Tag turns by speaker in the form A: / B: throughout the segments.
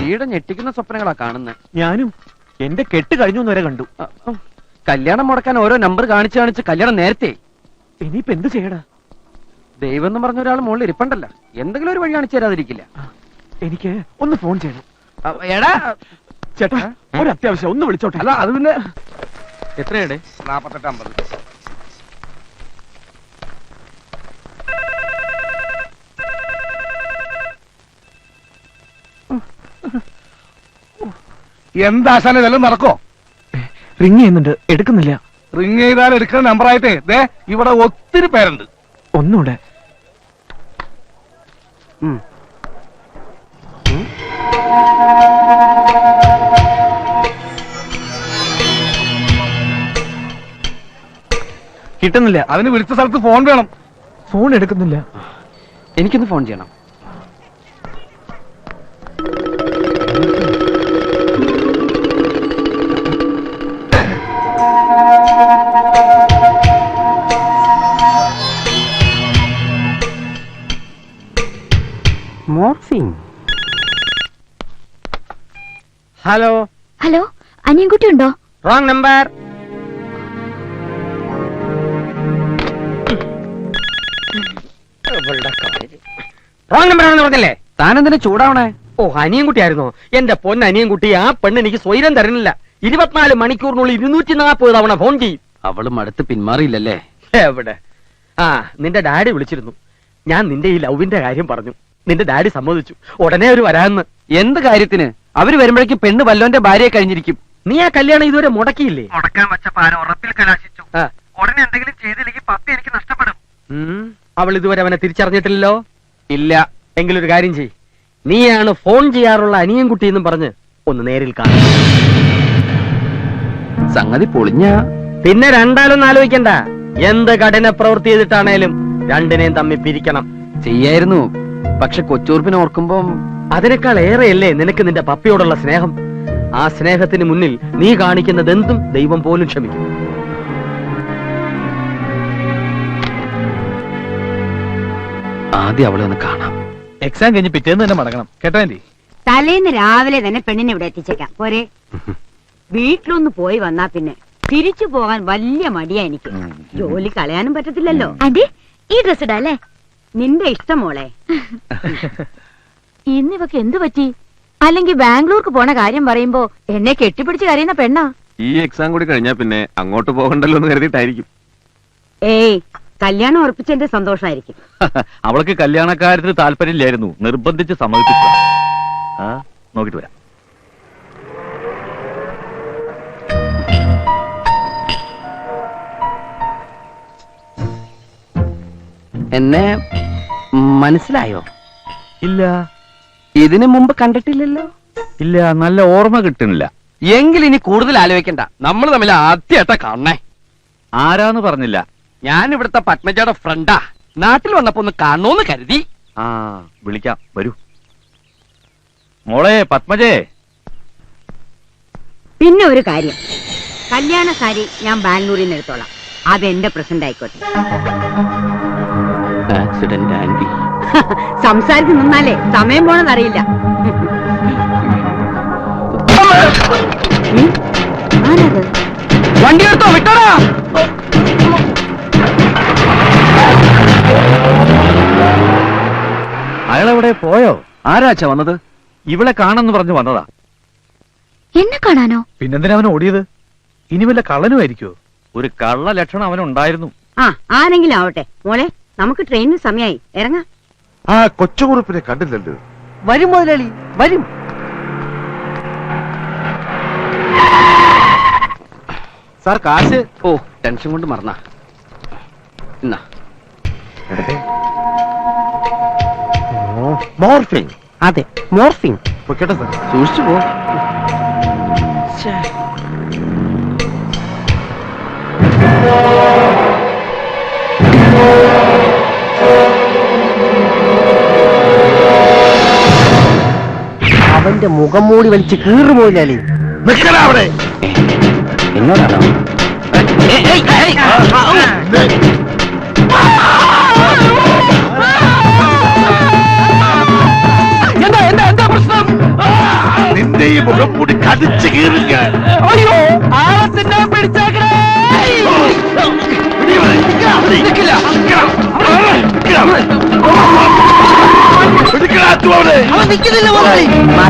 A: വഴിയുടെ ഞെട്ടിക്കുന്ന സ്വപ്നങ്ങളാ കാണുന്നത്.
B: ഞാനും എന്റെ കെട്ട് കഴിഞ്ഞു വരെ കണ്ടു.
A: കല്യാണം മുടക്കാൻ ഓരോ നമ്പർ കാണിച്ച് കല്യാണം നേരത്തെ.
B: ഇനിയിപ്പോ എന്ത് ചെയ്യടാ?
A: ദൈവം എന്ന് പറഞ്ഞ ഒരാൾ മുകളിൽ ഇരിപ്പണ്ടല്ല, എന്തെങ്കിലും ഒരു വഴി കാണിച്ചു തരാതിരിക്കില്ല.
B: എനിക്ക് ഒന്ന് ഫോൺ ചെയ്യണം.
A: എടാ
B: ചേട്ടാ, ഒരു അത്യാവശ്യം ഒന്ന് വിളിച്ചോട്ടെ.
A: അല്ല അത് പിന്നെ
C: എത്രയുടെ?
A: 4850.
C: എന്താശാന ഇതെല്ലാം നടക്കോ?
B: റിങ് ചെയ്യുന്നുണ്ട്, എടുക്കുന്നില്ല.
C: റിങ് ചെയ്താൽ എടുക്കുന്ന നമ്പറായിട്ടേ ദേ ഇവിടെ ഒത്തിരി പേരുണ്ട്.
B: ഒന്നുകൂടെ. കിട്ടുന്നില്ല.
C: അതിന് വിളിച്ച സ്ഥലത്ത് ഫോൺ വേണം.
B: ഫോൺ എടുക്കുന്നില്ല.
A: എനിക്കൊന്ന് ഫോൺ ചെയ്യണം. മോർഫിംഗ്. ഹലോ
D: ഹലോ, അനിയൻകുട്ടി ഉണ്ടോ?
A: Wrong number. റോങ് നമ്പർ ആണെന്ന് പറഞ്ഞല്ലേ? താനെന്തിനാ ചൂടാവണേ?
E: ഓ, അനിയൻകുട്ടി ആയിരുന്നോ? എന്റെ പൊന്ന അനിയൻകുട്ടി, ആ പെണ്ണ് എനിക്ക് സ്വൈരം തരുന്നില്ല. 24 മണിക്കൂറിനുള്ളിൽ 240 തവണ ഫോൺ ചെയ്യും.
A: അവളും അടുത്ത് പിന്മാറിയില്ലല്ലേ?
E: എവിടെ? ആ, നിന്റെ ഡാഡി വിളിച്ചിരുന്നു. ഞാൻ നിന്റെ ഈ ലവിന്റെ കാര്യം പറഞ്ഞു. നിന്റെ ഡാഡി സമ്മതിച്ചു. ഉടനെ അവര് വരാന്ന്.
A: എന്ത് കാര്യത്തിന്? അവര് വരുമ്പോഴേക്കും പെണ്ണ് വല്ലോന്റെ ഭാര്യയെ കഴിഞ്ഞിരിക്കും.
E: നീ ആ കല്യാണം ഇതുവരെ മുടക്കിയില്ലേ?
F: മുടക്കാൻ വെച്ച പാര ഉറപ്പിൽ കലാശിച്ചു. ഉടനെ എന്തെങ്കിലും ചെയ്തില്ലെങ്കിൽ പപ്പി എനിക്ക് നഷ്ടപ്പെടും.
E: അവൾ ഇതുവരെ അവനെ തിരിച്ചറിഞ്ഞിട്ടില്ലല്ലോ?
A: ഇല്ല.
E: എങ്കിലൊരു കാര്യം ചെയ്, നീയാണ് ഫോൺ ചെയ്യാറുള്ള അനിയൻകുട്ടി എന്നും പറഞ്ഞ് ഒന്ന് നേരിൽ കാണും.
A: സംഗതി പൊളിഞ്ഞ
E: പിന്നെ രണ്ടാലൊന്നും ആലോചിക്കണ്ട. എന്ത് കഠിന പ്രവൃത്തി ചെയ്തിട്ടാണേലും രണ്ടിനെയും തമ്മിൽ പിരിക്കണം.
A: ചെയ്യായിരുന്നു, പക്ഷെ കൊച്ചൂർപ്പിനെ ഓർക്കുമ്പം
E: അതിനേക്കാൾ ഏറെയല്ലേ നിനക്ക് നിന്റെ പപ്പിയോടുള്ള സ്നേഹം. ആ സ്നേഹത്തിന് മുന്നിൽ നീ കാണിക്കുന്നത് എന്തും ദൈവം പോലും ക്ഷമിക്കും.
A: ആദ്യം അവളെ ഒന്ന് കാണാം.
C: എക്സാം കഴിഞ്ഞ് പിറ്റേന്ന് തന്നെ മടങ്ങണം കേട്ടോ ആന്റി.
G: തലേന്ന് രാവിലെ തന്നെ പെണ്ണിനെ ഇവിടെ എത്തിച്ചേക്കാം പോരെ? വീട്ടിലൊന്ന് പോയി വന്നാ പിന്നെ തിരിച്ചു പോകാൻ വലിയ മടിയാ എനിക്ക്. ജോലി കളയാനും പറ്റത്തില്ലല്ലോ.
D: ആന്റി, ഈ ഡ്രസ് ഇടാ അല്ലേ?
G: നിന്റെ ഇഷ്ടം മോളെ.
D: ഇന്നിവക്ക് എന്തു പറ്റി? അല്ലെങ്കിൽ ബാംഗ്ലൂർക്ക് പോണ കാര്യം പറയുമ്പോ എന്നെ കെട്ടിപ്പിടിച്ച് കരയുന്ന പെണ്ണാ.
H: ഈ എക്സാം കൂടി കഴിഞ്ഞാ പിന്നെ അങ്ങോട്ട് പോകണ്ടല്ലോ എന്ന് കരുതിയിട്ടായിരിക്കും.
G: ഏയ്, കല്യാണം ഉറപ്പിച്ചെന്റെ സന്തോഷമായിരിക്കും.
H: അവൾക്ക് കല്യാണക്കാര്യത്തിന് താല്പര്യമില്ലായിരുന്നു, നിർബന്ധിച്ച് സമ്മതിപ്പിച്ച. നോക്കിട്ട് വരാം.
A: എന്നെ മനസ്സിലായോ?
H: ഇല്ല.
A: ഇതിനു മുമ്പ് കണ്ടിട്ടില്ലല്ലോ?
H: ഇല്ല, നല്ല ഓർമ്മ കിട്ടുന്നില്ല.
A: എങ്കിൽ ഇനി കൂടുതൽ ആലോചിക്കണ്ട, നമ്മൾ തമ്മിൽ ആദ്യമായിട്ടാ കാണണേ.
H: ആരാന്ന് പറഞ്ഞില്ല.
A: ഞാൻ ഇവിടുത്തെ പത്മജയുടെ ഫ്രണ്ടാ. നാട്ടിൽ വന്നപ്പോ ഒന്ന് കാണണോന്ന് കരുതി.
H: വിളിക്കാം, വരൂ. മോളെ പത്മജേ.
G: പിന്നെ ഒരു കാര്യം, കല്യാണ സാരി ഞാൻ ബാംഗ്ലൂരിൽ നിന്ന് എടുത്തോളാം. അതെന്റെ പ്രസന്റ് ആയിക്കോട്ടെ.
A: Accident aunty.
G: സംസാരിച്ച് നിന്നാലേ സമയം പോണെന്നറിയില്ല. ആരത്?
A: വണ്ടി എടുത്തോ, വിട്ടോടാ.
H: അയാളെവിടെ പോയോ?
A: ആരാച്ചാ വന്നത്?
H: ഇവളെ കാണാന്ന് പറഞ്ഞു വന്നതാ.
D: എന്നെ കാണാനോ?
C: പിന്നെന്തിനാ അവൻ ഓടിയത്? ഇനി വല്ല കള്ളനുമായിരിക്കോ?
H: ഒരു കള്ള ലക്ഷണം അവനുണ്ടായിരുന്നു.
G: ആരെങ്കിലും ആവട്ടെ. മോളെ, നമുക്ക് ട്രെയിനിന് സമയമായി, ഇറങ്ങാം.
I: ആ കൊച്ചുകുറുപ്പിനെ കണ്ടില്ലല്ലോ.
A: വരും മുതലാളി, വരും.
B: സാർ, കാശ്.
A: ഓ, ടെൻഷൻ കൊണ്ട് മറന്നാ. എന്നാ
I: മോർഫിംഗ്.
A: അതെ, മോർഫിംഗ്.
I: കേട്ടോ സാർ,
A: സൂക്ഷിച്ചു പോ.
E: അവന്റെ മുഖം മൂടി വലിച്ച് കീറുപോയില്ലേ?
I: നിൽക്കടാ അവിടെ.
A: എന്നോടാണോ? എന്താ എന്താ എന്താ പ്രശ്നം?
I: ഈ മുഖംമൂടി കടിച്ചു കീറി ഞാൻ.
A: അയ്യോ ആളത്തിനെ പിടിച്ചേക്കണേ. നിൽക്കില്ല. അവൻ നിൽക്കുന്നില്ല മുതലാളി.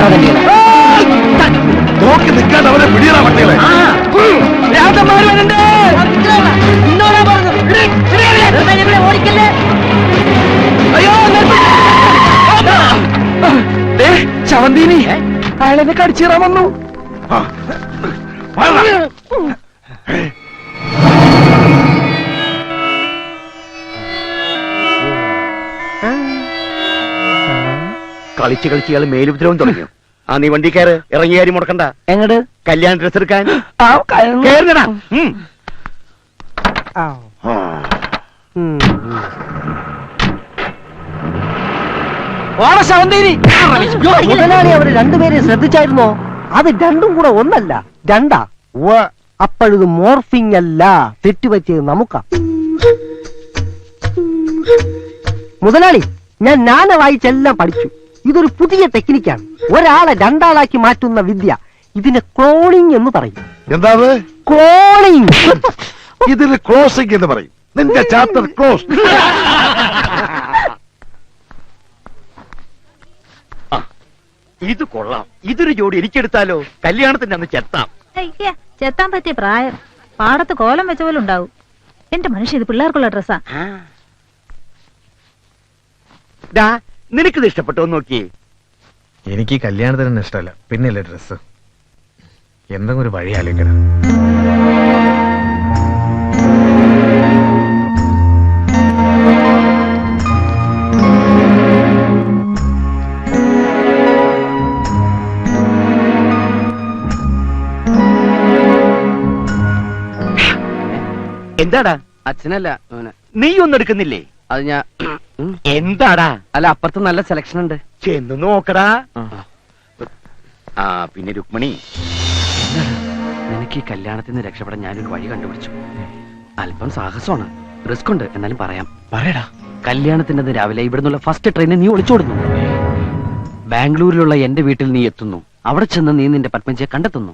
I: നോക്കി നിൽക്കാൻ അവരെ പിടിയറ പട്ടികളെ.
A: രാജന്മാർ വരുന്നുണ്ട്. ഇന്നോടാ പറഞ്ഞു.
D: ഓടിക്കല്ലേ.
A: അയ്യോ ശവന്തീനി അയാളെന്നെ കടിച്ചീറാൻ വന്നു.
E: കളിച്ച് കളിച്ച് ഇയാൾ മേലുപദ്രവം തുടങ്ങിയോ? ആ നീ വണ്ടി കയറ്, ഇറങ്ങി കാര്യം മുടക്കണ്ട.
A: എങ്ങട്
E: കല്യാണ ഡ്രസ് എടുക്കാൻ
A: കേറുന്നടാ. ഓണ ശവന്തീനി.
J: മുതലാളി അവര് രണ്ടുപേരെ ശ്രദ്ധിച്ചായിരുന്നോ? അത് രണ്ടും കൂടെ ഒന്നല്ല, രണ്ടാ. അപ്പോഴത് മോർഫിംഗ് അല്ല, തെറ്റുപറ്റിയത് നമുക്കാ. മുതലാളി, ഞാൻ നാന വായിച്ചെല്ലാം പഠിച്ചു. ഇതൊരു പുതിയ ടെക്നിക്കാണ്, ഒരാളെ രണ്ടാളാക്കി മാറ്റുന്ന വിദ്യ. ഇതിനെ ക്ലോണിംഗ് എന്ന് പറയും.
I: എന്താ
J: ക്ലോണിംഗ്.
I: ഇതിന് ക്ലോസിംഗ് എന്ന് പറയും. നിന്റെ ചാപ്റ്റർ ക്ലോസ്.
E: ഇത് കൊള്ളാം. ഇതൊരു ജോഡി എനിക്കെടുത്താലോ? കല്യാണത്തിന്റെ അന്ന് ചെത്താം.
D: ചെത്താൻ പറ്റിയ പ്രായം. പാടത്ത് കോലം വെച്ച പോലെ ഉണ്ടാവും. എന്റെ മനുഷ്യ, ഇത് പിള്ളേർക്കുള്ള ഡ്രസ്സാ.
E: നിനക്കിത് ഇഷ്ടപ്പെട്ടോ നോക്കിയേ.
B: എനിക്ക് ഈ കല്യാണത്തിന് ഇഷ്ടമല്ല, പിന്നെയല്ലേ ഡ്രസ്. എന്തെങ്കിലും ഒരു വഴി ആലോചിക്കണം.
E: എന്താടാ?
A: അച്ഛനല്ല
E: നീ ഒന്നും എടുക്കുന്നില്ലേ?
A: അത് ഞാൻ
E: എന്താടാ?
A: അല്ല, അപ്പുറത്ത് നല്ല സെലക്ഷൻ ഉണ്ട്.
E: ചെന്ന് നോക്കടാ. ആ പിന്നെ രുക്മിണി,
A: നിനക്ക് ഈ കല്യാണത്തിൽ നിന്ന് രക്ഷപ്പെടാൻ ഞാനൊരു വഴി കണ്ടുപിടിച്ചു. അല്പം സാഹസമാണ്, റിസ്ക് ഉണ്ട്, എന്നാലും പറയാം.
B: പറയടാ.
A: കല്യാണത്തിന്റെ അന്ന് രാവിലെ ഇവിടുന്നുള്ള ഫസ്റ്റ് ട്രെയിനിൽ നീ ഒളിച്ചോടുന്നു. ബാംഗ്ലൂരിലുള്ള എന്റെ വീട്ടിൽ നീ എത്തുന്നു. അവിടെ ചെന്ന് നീ നിന്റെ പത്മജിയെ കണ്ടെത്തുന്നു.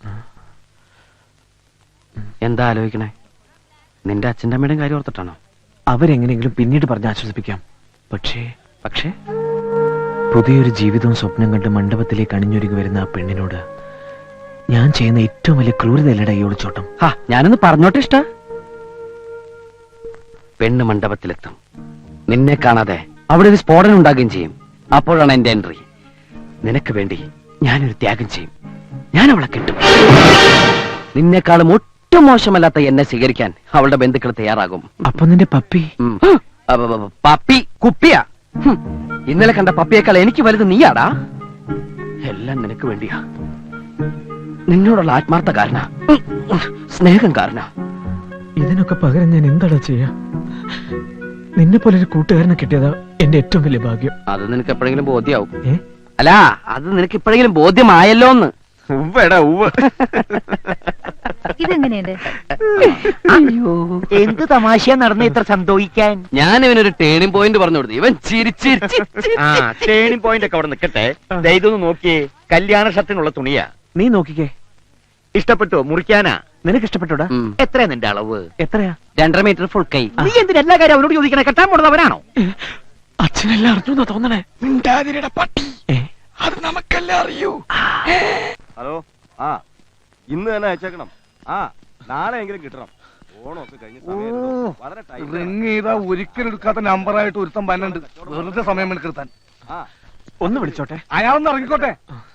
A: എന്താ ആലോചിക്കണേ? നിന്റെ അച്ഛൻ്റെ അമ്മയുടെയും കാര്യം ഓർത്തിട്ടാണോ?
B: അവരെങ്ങനെയെങ്കിലും പിന്നീട് പറഞ്ഞ് ആശ്വസിപ്പിക്കാം. പക്ഷേ
A: പക്ഷേ
B: പുതിയൊരു ജീവിതവും സ്വപ്നം കണ്ട് മണ്ഡപത്തിലേക്ക് അണിഞ്ഞൊരുങ്ങി വരുന്ന ആ പെണ്ണിനോട് ഞാൻ ചെയ്യുന്ന ഏറ്റവും വലിയ ക്രൂരതയല്ലടാ ഈ ഒളിച്ചോട്ടം.
A: ഞാനൊന്ന് പറഞ്ഞോട്ടെ. ഇഷ്ട പെണ്ണ് മണ്ഡപത്തിലെത്തും. നിന്നെ കാണാതെ അവിടെ ഒരു സ്ഫോടനം ഉണ്ടാകുകയും ചെയ്യും. അപ്പോഴാണ് എന്റെ എൻട്രി. നിനക്ക് വേണ്ടി ഞാനൊരു ത്യാഗം ചെയ്യും. ഞാൻ അവളെ കിട്ടും. നിന്നെക്കാളും ഒട്ടും മോശമല്ലാത്ത എന്നെ സ്വീകരിക്കാൻ അവളുടെ ബന്ധുക്കൾ തയ്യാറാകും.
B: അപ്പൊ നിന്റെ പപ്പി?
A: പപ്പി കുപ്പിയാ. ഇന്നലെ കണ്ട പപ്പിയേക്കാൾ എനിക്ക് വലുത് നീയാടാ. എല്ലാം നിനക്ക് വേണ്ടിയാ. നിന്നോടുള്ള ആത്മാർത്ഥ കാരണ, സ്നേഹം കാരണ.
B: ഇതിനൊക്കെ പകരം ഞാൻ എന്താടാ ചെയ്യാ? നിന്നെ പോലെ ഒരു കൂട്ടുകാരനെ കിട്ടിയതാ എന്റെ ഏറ്റവും വലിയ ഭാഗ്യം.
A: അത് നിനക്ക് എപ്പോഴെങ്കിലും ബോധ്യാവും.
B: ഏ?
A: അല്ല, അത് നിനക്ക് ഇപ്പോഴെങ്കിലും ബോധ്യമായല്ലോ എന്ന്.
H: ഉവ്വടാ ഉവ്വ്.
D: ഇതെങ്ങനെയുണ്ട്?
J: എന്ത് തമാശയാ നടന്ന ഇത്ര സന്തോഷിക്കാൻ?
A: ഞാൻ ഇവനൊരു ടേണിംഗ് പോയിന്റ് പറഞ്ഞു കൊടുത്തു. ഇവൻ ചിരിച്ചിരിച്ച്
E: ആ ടേണിംഗ് പോയിന്റ് ഒക്കെ അവിടെ നിൽക്കട്ടെ. ദേ ഇതൊന്ന് നോക്കിയേ, കല്യാണ ഷർട്ടിനുള്ള തുണിയാ.
B: നീ നോക്കിക്കേ.
E: ഇഷ്ടപ്പെട്ടോ? മുറിക്കാനാ?
B: നിനക്ക് ഇഷ്ടപ്പെട്ടോടാ?
E: എത്രയാ നിന്റെ അളവ്?
B: എത്രയാ?
A: 2.5 മീറ്റർ ഫുൾ കൈ.
E: നീ എന്തിനാ എല്ലാ കാര്യം അവനോട് ചോദിക്കണേ? കെട്ടാൻ പോണതവനാണോ?
B: അച്ഛനെല്ലാം അറിഞ്ഞു തോന്നണേ.
A: പട്ടി അത് നമുക്കല്ലേ അറിയൂ.
H: ഹലോ, ആ ഇന്ന് തന്നെ അയച്ചേക്കണം. ആ നാളെ എങ്കിലും കിട്ടണം. ഓണമൊക്കെ കഴിഞ്ഞ വളരെ
C: റിങ് ചെയ്താ ഒരിക്കലും എടുക്കാത്ത നമ്പറായിട്ട് ഒരുത്തം പന്നുണ്ട്. വെറുതെ സമയം എടുക്കാൻ.
B: ഒന്ന് വിളിച്ചോട്ടെ.
C: അയാളൊന്ന് ഇറങ്ങിക്കോട്ടെ.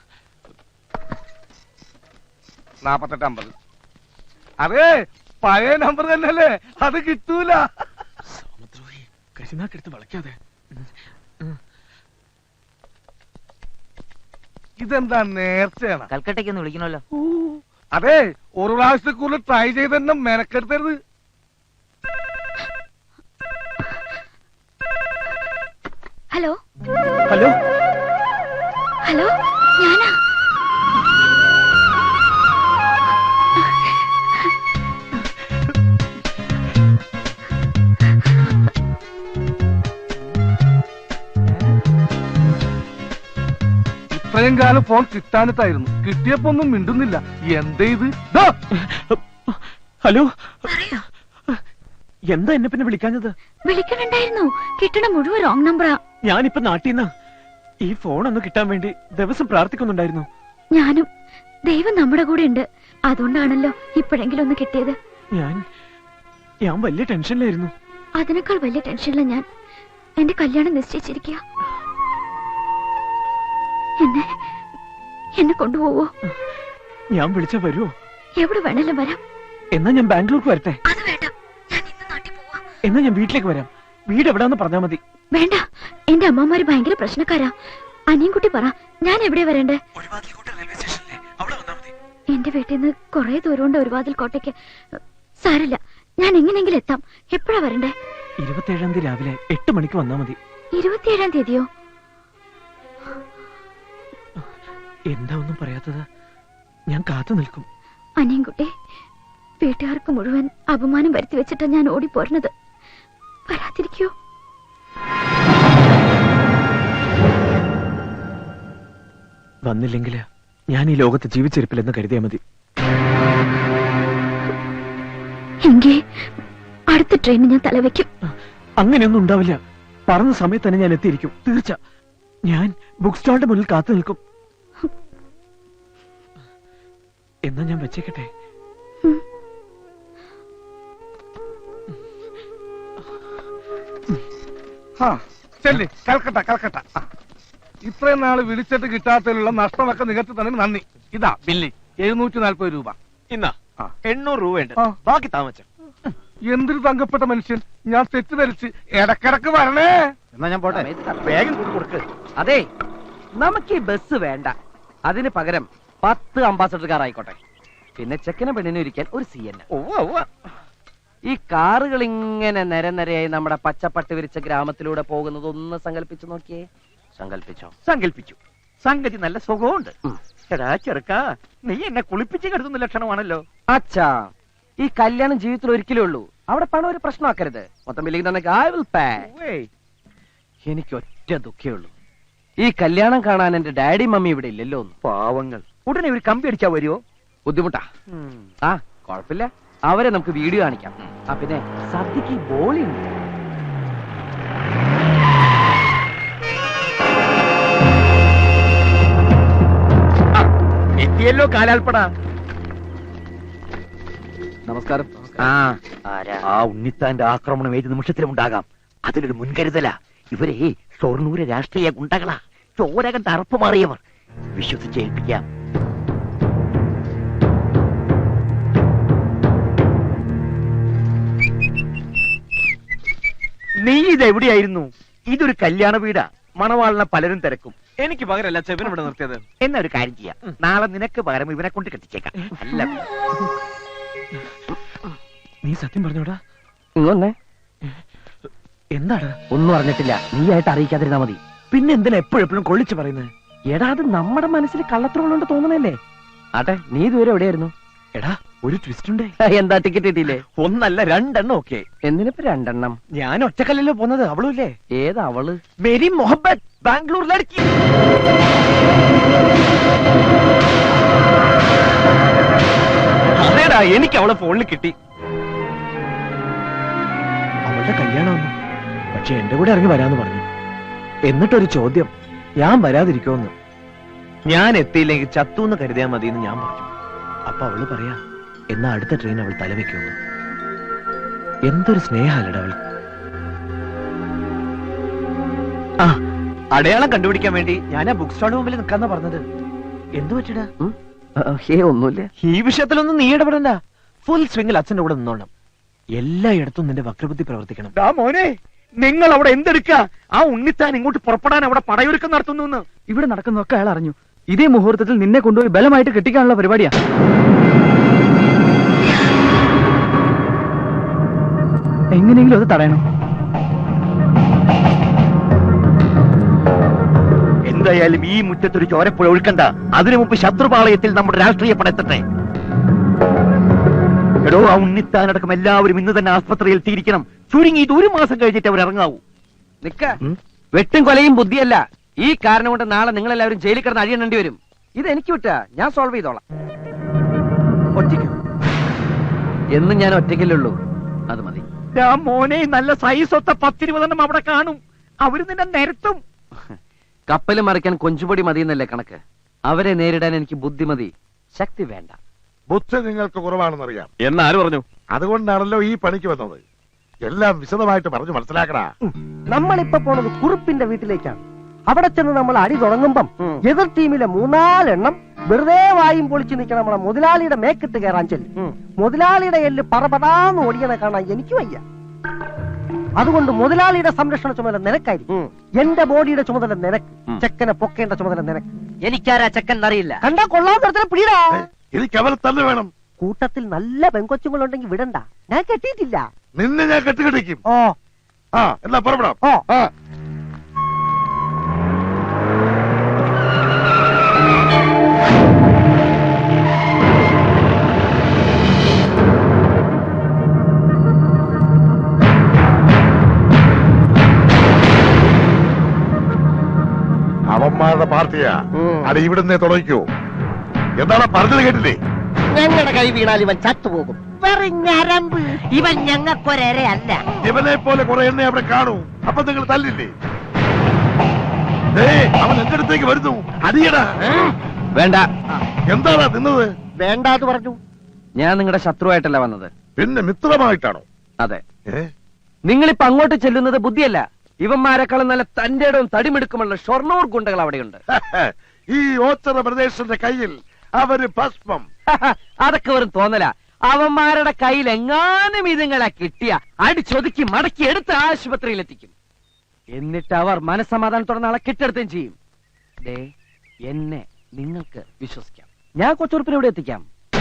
C: 4850. അതെ, പഴയ നമ്പർ തന്നെയല്ലേ, അത് കിട്ടൂല.
B: കരിനാക്കെടുത്ത് വളയ്ക്കാതെ.
C: ഇതെന്താ നേർച്ചയാണ്?
J: കൽക്കട്ടയ്ക്ക് ഒന്ന് വിളിക്കണമല്ലോ.
C: അതെ, ഒരു പ്രാവശ്യത്തിൽ കൂടുതൽ ട്രൈ ചെയ്ത് തന്നെ മെനക്കെടുത്തരുത്.
D: ഹലോ
B: ഹലോ,
D: ഹലോ, ഞാനാ.
C: ഇത്രയും ഇത്രയും കാലം ഫോൺ കിട്ടാനിട്ടായിരുന്നു. കിട്ടിയപ്പോ ഒന്നും മിണ്ടുന്നില്ല. എന്തേ ഇത്? ദാ,
B: ഹലോ, എന്താ എന്നെ പിന്നെ വിളിക്കാഞ്ഞത്?
D: വിളിക്കണുണ്ടായിരുന്നു. കിട്ടണ മുഴുവൻ റോങ് നമ്പറാ.
B: ഞാനിപ്പോ നാട്ടിൽ ഈ ഫോൺ ഒന്ന് കിട്ടാൻ വേണ്ടി ദിവസം പ്രാർത്ഥിക്കുന്നുണ്ടായിരുന്നു.
D: ഞാനും. ദൈവം നമ്മുടെ കൂടെ ഉണ്ട്. അതുകൊണ്ടാണല്ലോ ഇപ്പോഴെങ്കിലും ഒന്ന് കിട്ടിയത്.
B: ഞാൻ വലിയ ടെൻഷനിലായിരുന്നു.
D: അതിനേക്കാൾ വലിയ ടെൻഷനില്ല ഞാൻ. എന്റെ കല്യാണം നിശ്ചയിച്ചിരിക്കുക. എന്നെ കൊണ്ടുപോവോ?
B: ഞാൻ വിളിച്ചാ വരുമോ?
D: എവിടെ വേണേലും വരാം.
B: എന്നാ ഞാൻ ബാംഗ്ലൂർക്ക് വരട്ടെ?
D: അത് വേണ്ട, ഞാൻ ഇന്ന് നാട്ടിൽ പോവാ.
B: എന്നാ ഞാൻ വീട്ടിലേക്ക് വരാം. വീട് എവിടാന്ന് പറഞ്ഞാ മതി.
D: വേണ്ട, എന്റെ അമ്മമാര് ഭയങ്കര പ്രശ്നക്കാരാ. അനിയൻകുട്ടി പറ, ഞാൻ എവിടെ വരണ്ടേ? എന്റെ വീട്ടിൽ നിന്ന് കുറെ ദൂരമുണ്ട് ഒരുവാതിൽ കോട്ടയ്ക്ക്. സാരില്ല, ഞാൻ എങ്ങനെയെങ്കിലും എത്താം. എപ്പോഴാ വരണ്ടേ?
B: 27-ാം തീയതി രാവിലെ 8 മണിക്ക് വന്നാ മതി.
D: 27-ാം തീയതിയോ?
B: എന്താ ഒന്നും പറയാത്തത്? ഞാൻ കാത്തു നിൽക്കും.
D: അനിയൻകുട്ടി, വീട്ടുകാർക്ക് മുഴുവൻ അപമാനം വരുത്തി വെച്ചിട്ടാ ഞാൻ ഓടിപ്പോരുന്നത്. വരാതിരിക്കോ?
B: വന്നില്ലെങ്കിൽ ഞാൻ ഈ ലോകത്ത് ജീവിച്ചിരിപ്പില്ലെന്ന് കരുതിയാ മതി.
D: എങ്കിൽ അടുത്ത ട്രെയിനിന് ഞാൻ തലവെക്കും.
B: അങ്ങനെയൊന്നും ഉണ്ടാവില്ല. പറഞ്ഞ സമയത്ത് തന്നെ ഞാൻ എത്തിയിരിക്കും, തീർച്ച. ഞാൻ ബുക്ക് സ്റ്റാളിന്റെ മുന്നിൽ കാത്തു നിൽക്കും. എന്നാ ഞാൻ വെച്ചേക്കട്ടെ?
C: ചെല്ലി കൽക്കട്ട കൽക്കട്ട. ഇത്രയും നാള് വിളിച്ചിട്ട് കിട്ടാത്തതിലുള്ള നഷ്ടമൊക്കെ നികത്തി തന്നെ നന്ദി. ഇതാ ബില്ല് 740 രൂപ.
H: ഇന്നാ 800 രൂപയുണ്ട്.
C: ആ.
H: ബാക്കി താമസം.
C: എന്തൊരു തങ്കപ്പെട്ട മനുഷ്യൻ. ഞാൻ തെറ്റിദ്ധരിച്ച് ഇടക്കിടക്ക് വരണേ.
E: എന്നാ ഞാൻ പോട്ടെ.
H: വേഗം കൊടുക്ക്.
E: അതെ, നമുക്ക് ഈ ബസ് വേണ്ട. അതിന് പകരം 10 അംബാസഡർ കാർ ആയിക്കോട്ടെ. പിന്നെ ചെക്കനെ പെണ്ണിനെ ഇരിക്കാൻ ഒരു CN. ഈ കാറുകൾ ഇങ്ങനെ നിരനിരയായി നമ്മുടെ പച്ചപ്പട്ട് വിരിച്ച ഗ്രാമത്തിലൂടെ പോകുന്നത് ഒന്ന് സങ്കല്പിച്ചു നോക്കിയേ.
F: സങ്കല്പിച്ചു. സംഗതി നല്ല സുഖമുണ്ട്. എടാ ചെറുക്കാ, നീ എന്നെ കുളിപ്പിച്ച് കരുതുന്ന ലക്ഷണമാണല്ലോ.
E: അച്ഛാ, ഈ കല്യാണം ജീവിതത്തിൽ ഒരിക്കലേ ഉള്ളൂ. അവിടെ പണം ഒരു പ്രശ്നമാക്കരുത്. മൊത്തം ബില്ലിംഗ് തന്നെ I will pay. എനിക്ക് ഒറ്റ ദുഃഖേ ഉള്ളൂ, ഈ കല്യാണം കാണാൻ എന്റെ ഡാഡി മമ്മി ഇവിടെ ഇല്ലല്ലോ.
F: പാവങ്ങൾ. ഉടനെ ഒരു കമ്പി അടിച്ചാ വരുമോ?
E: ബുദ്ധിമുട്ടാ. ആ കുഴപ്പമില്ല, അവരെ നമുക്ക് വീഡിയോ കാണിക്കാം. ആ പിന്നെ സദ്യക്ക് ബോളി ഉണ്ട്.
F: എത്തിയല്ലോ കാലാൽപ്പട.
E: നമസ്കാരം.
F: ആ ഉണ്ണിത്താന്റെ ആക്രമണം ഏത് നിമിഷത്തിലും ഉണ്ടാകാം. അതിലൊരു മുൻകരുതല. ഇവരെ ഷൊർണൂര് രാഷ്ട്രീയ ഗുണ്ടകളാ. ചോരകണ്ട് അറപ്പ് മാറിയവർ. വിശ്വസിച്ചേൽപ്പിക്കാം. നീ ഇതെവിടെയായിരുന്നു? ഇതൊരു കല്യാണ വീടാ. മണവാളിനെ പലരും തിരക്കും.
H: എനിക്ക് പകരല്ല ചെവിന് ഇവിടെ നിർത്തിയത്.
F: എന്നാ ഒരു കാര്യം ചെയ്യാം, നാളെ നിനക്ക് പകരം ഇവനെ കൊണ്ട് കെട്ടിച്ചേക്കാം. അല്ല
B: നീ സത്യം പറഞ്ഞോടാ?
E: ഇങ്ങൊന്നേ.
B: എന്താണ്?
E: ഒന്നും അറിഞ്ഞിട്ടില്ല. നീ ആയിട്ട് അറിയിക്കാതിരുന്നാ മതി.
B: പിന്നെ എന്തിനാ എപ്പോഴെപ്പോഴും കൊള്ളിച്ചു പറയുന്നത്?
E: എടാ, അത് നമ്മുടെ മനസ്സിൽ കള്ളത്രമുള്ളോണ്ട് തോന്നണല്ലേ. ആട്ടെ, നീ ഇതുവരെ എവിടെയായിരുന്നു?
B: എടാ, ഒരു ട്വിസ്റ്റ് ഉണ്ടേ.
E: എന്താ ടിക്കറ്റ് കിട്ടിയില്ലേ?
B: ഒന്നല്ല 2 എണ്ണം. ഓക്കെ,
E: എന്തിനിപ്പോ 2 എണ്ണം?
B: ഞാൻ ഒറ്റക്കല്ലല്ലോ പോന്നത്. അവളും ഇല്ലേ?
E: ഏതാ അവള്?
B: മേരി മുഹബത്ത്, ബാംഗ്ലൂർ ലड़की.
H: അതേടാ, എനിക്ക് അവളെ ഫോണിൽ കിട്ടി.
B: അവളുടെ കല്യാണമൊന്നും. പക്ഷെ എന്റെ കൂടെ ഇറങ്ങി വരാന്ന് പറഞ്ഞു. എന്നിട്ടൊരു ചോദ്യം, ഞാൻ വരാതിരിക്കുമെന്ന്. ഞാൻ എത്തിയില്ലെങ്കിൽ ചത്തൂന്ന് കരുതിയാൽ മതി എന്ന് ഞാൻ പറഞ്ഞു. അപ്പൊ അവള് പറയാ, എന്നാ അടുത്ത ട്രെയിൻ അവൾ തലവെക്കുമെന്ന്. എന്തൊരു സ്നേഹമല്ലട അവൾ. ആ, അടയാളം കണ്ടുപിടിക്കാൻ വേണ്ടി ഞാൻ ആ ബുക്ക് സ്റ്റാളിന് മുമ്പിൽ നിൽക്കാന്നാ പറഞ്ഞത്. എന്തു പറ്റിടാ?
E: ഒന്നുമില്ല.
B: ഈ വിഷയത്തിലൊന്നും നീ ഇടപെടണ്ട. ഫുൾ സ്വിംഗിൽ അച്ഛന്റെ കൂടെ നിന്നോണം. എല്ലായിടത്തും നിന്റെ വക്രബുദ്ധി പ്രവർത്തിക്കണം.
F: മോനെ, നിങ്ങൾ അവിടെ എന്തെടുക്ക? ആ ഉണ്ണിത്താൻ ഇങ്ങോട്ട് പുറപ്പെടാൻ അവിടെ പടയൊരുക്കം നടത്തുന്നു.
E: ഇവിടെ നടക്കുന്നതൊക്കെ അയാൾ അറിഞ്ഞു. ഇതേ മുഹൂർത്തത്തിൽ നിന്നെ കൊണ്ടുപോയി ബലമായിട്ട് കെട്ടിക്കാനുള്ള പരിപാടിയാ. എങ്ങനെയെങ്കിലും അത് തടയണം.
F: എന്തായാലും ഈ മുറ്റത്തൊരു ചോരപ്പുഴ ഒഴുക്കണ്ട. അതിനു മുമ്പ് ശത്രുപാളയത്തിൽ നമ്മുടെ രാഷ്ട്രീയ പടയെത്തട്ടെ. എടോ, ആ ഉണ്ണിത്താനടക്കം എല്ലാവരും ഇന്ന് തന്നെ ആസ്പത്രിയിൽ എത്തിയിരിക്കണം. ചുരുങ്ങി ഇത് 1 മാസം കഴിഞ്ഞിട്ട് അവർ ഇറങ്ങാവൂ.
E: നിക്ക, വെട്ടും കൊലയും ബുദ്ധിയല്ല, ഈ കാരണം കൊണ്ട് നാളെ നിങ്ങൾ എല്ലാവരും ജയിലിൽ കിടന്ന് അഴിയണേണ്ടി വരും. ഇത് എനിക്ക് വിട്ടാ, ഞാൻ സോൾവ് ചെയ്തോളാം. ഒറ്റയ്ക്ക് എന്നും ഞാൻ ഒറ്റയ്ക്കല്ലുള്ളൂ, അത് മതി.
F: മോനെ നല്ല സൈസ് ഒത്ത 10-20 അവിടെ കാണും. അവര് നിന്നെ നിരത്തും.
E: കപ്പല് മറിക്കാൻ കൊഞ്ചുപൊടി മതിയെന്നല്ലേ കണക്ക്. അവരെ നേരിടാൻ എനിക്ക് ബുദ്ധിമതി, ശക്തി വേണ്ട.
I: ബുദ്ധി നിങ്ങൾക്ക് കുറവാണെന്നറിയാം.
H: എന്നാര് പറഞ്ഞു?
I: അതുകൊണ്ടാണല്ലോ ഈ പണിക്ക് വന്നത്. എല്ലാം വിശദമായിട്ട് പറഞ്ഞു മനസ്സിലാക്കടാ.
J: നമ്മളിപ്പോ പോണത് കുറുപ്പിന്റെ വീട്ടിലേക്കാണ്. അവിടെ ചെന്ന് നമ്മൾ അടി തുടങ്ങുമ്പം എതിർ ടീമിലെ 3-4 എണ്ണം വെറുതെ വായും പൊളിച്ചു നിൽക്കണം. നമ്മളെ മുതലാളിയുടെ മേക്കിട്ട് കയറാൻ ചെല്ലും. മുതലാളിയുടെ എല്ല് പറപടാന്ന് ഓടിയണ കാണാൻ എനിക്ക് വയ്യ. അതുകൊണ്ട് മുതലാളിയുടെ സംരക്ഷണ ചുമതല നിനക്കായിരിക്കും. എന്റെ ബോഡിയുടെ ചുമതല നിനക്ക്. ചെക്കനെ പൊക്കേണ്ട ചുമതല നിനക്ക്.
E: എനിക്കാരാ ചെക്കൻ അറിയില്ല.
J: കണ്ടാ കൊള്ളാൻ പിടിടാ.
I: എനിക്ക് അവരെ തന്നെ വേണം.
J: കൂട്ടത്തിൽ നല്ല പെങ്കൊച്ചുങ്ങളുണ്ടെങ്കിൽ വിടണ്ട. ഞാൻ കെട്ടിയിട്ടില്ല.
I: നിന്നെ ഞാൻ കെട്ടുകെട്ടിക്കും.
J: ഓ
I: എന്നാ പുറപ്പെടാം.
J: ഓ
I: അവന്മാരുടെ പാർട്ടിയാ. അത് ഇവിടുന്ന് തുടങ്ങിക്കോ. എന്താണ് പറഞ്ഞത് കേട്ടില്ലേ?
J: ഞങ്ങളുടെ കൈ വീണാൽ ഇവൻ ചത്തുപോകും. ഞരമ്പ് ഇവൻ ഞങ്ങൾക്കൊരല്ല.
I: ഇവനെ പോലെ കുറെ എണ്ണ അവിടെ കാണൂ. അപ്പൊ നിങ്ങൾ തല്ലില്ലേ? അവൻ എന്റെ അടുത്തേക്ക് വരുന്നു. അടിയടാ.
E: വേണ്ട.
I: എന്താണ് നിന്നത്?
J: വേണ്ടാന്ന് പറഞ്ഞു.
E: ഞാൻ നിങ്ങളുടെ ശത്രുവായിട്ടല്ല വന്നത്.
I: പിന്നെ മിത്രമായിട്ടാണോ?
E: അതെ. നിങ്ങളിപ്പോ അങ്ങോട്ട് ചെല്ലുന്നത് ബുദ്ധിയല്ല. ഇവന്മാരെക്കാളും നല്ല തന്റെ ഇടവും തടിമെടുക്കുമുള്ള ഷൊർണൂർ ഗുണ്ടകൾ അവിടെയുണ്ട്.
I: ഈ ഓച്ചറ പ്രദേശത്തിന്റെ കയ്യിൽ അവര് ഭസ്മം.
E: അതൊക്കെ വെറും തോന്നല. അവന്മാരുടെ കയ്യിൽ എങ്ങാനും ഇതുങ്ങളെ കിട്ടിയ അടിച്ചൊതുക്കി മടക്കി എടുത്ത് ആശുപത്രിയിലെത്തിക്കും. എന്നിട്ട് അവർ മനസ്സമാധാനത്തോടെ നാളെ കെട്ടെടുത്തും ചെയ്യും. ദേ, എന്നെ നിങ്ങൾക്ക് വിശ്വസിക്കാം. ഞാൻ കൊച്ചുറുപ്പിനെ ഇവിടെ എത്തിക്കാം.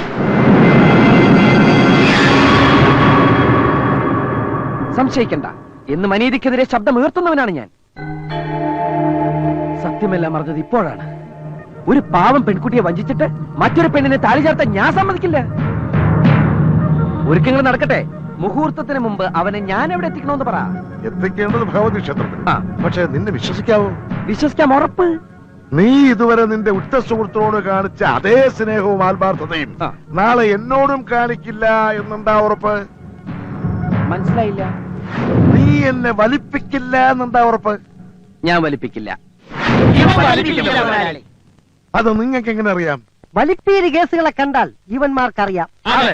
E: സംശയിക്കണ്ട. എന്ന് മനീതിക്കെതിരെ ശബ്ദം ഉയർത്തുന്നവനാണ് ഞാൻ. സത്യമെല്ലാം അറിഞ്ഞത് ഇപ്പോഴാണ്. ഒരു പാവം പെൺകുട്ടിയെ വഞ്ചിച്ചിട്ട് മറ്റൊരു പെണ്ണിനെ താലി ചേർത്താൻ ഞാൻ സമ്മതിക്കില്ല. ഒരുക്കങ്ങൾ നടക്കട്ടെ. മുഹൂർത്തത്തിന് മുമ്പ് അവനെ ഞാൻ എവിടെ എത്തിക്കണമെന്ന് പറ.
I: എത്തിക്കേണ്ടത് ഭഗവതി ക്ഷേത്രത്തിൽ. പക്ഷെ നിന്നെ വിശ്വസിക്കാവോ?
E: വിശ്വസിക്കാം, ഉറപ്പ്.
I: നീ ഇതുവരെ നിന്റെ ഉറ്റ സുഹൃത്തിനോട് കാണിച്ച അതേ സ്നേഹവും ആത്മാർത്ഥതയും നാളെ എന്നോടും കാണിക്കില്ല എന്നെന്താ ഉറപ്പ്?
E: മനസ്സിലായില്ല.
I: നീ എന്നെ വലിപ്പിക്കില്ല എന്നെന്താ ഉറപ്പ്?
E: ഞാൻ വലിപ്പിക്കില്ല.
I: അത് നിങ്ങൾക്ക് എങ്ങനെ അറിയാം?
J: വലിപ്പീര് കേസുകളെ കണ്ടാൽ ഇവന്മാർക്കറിയാം.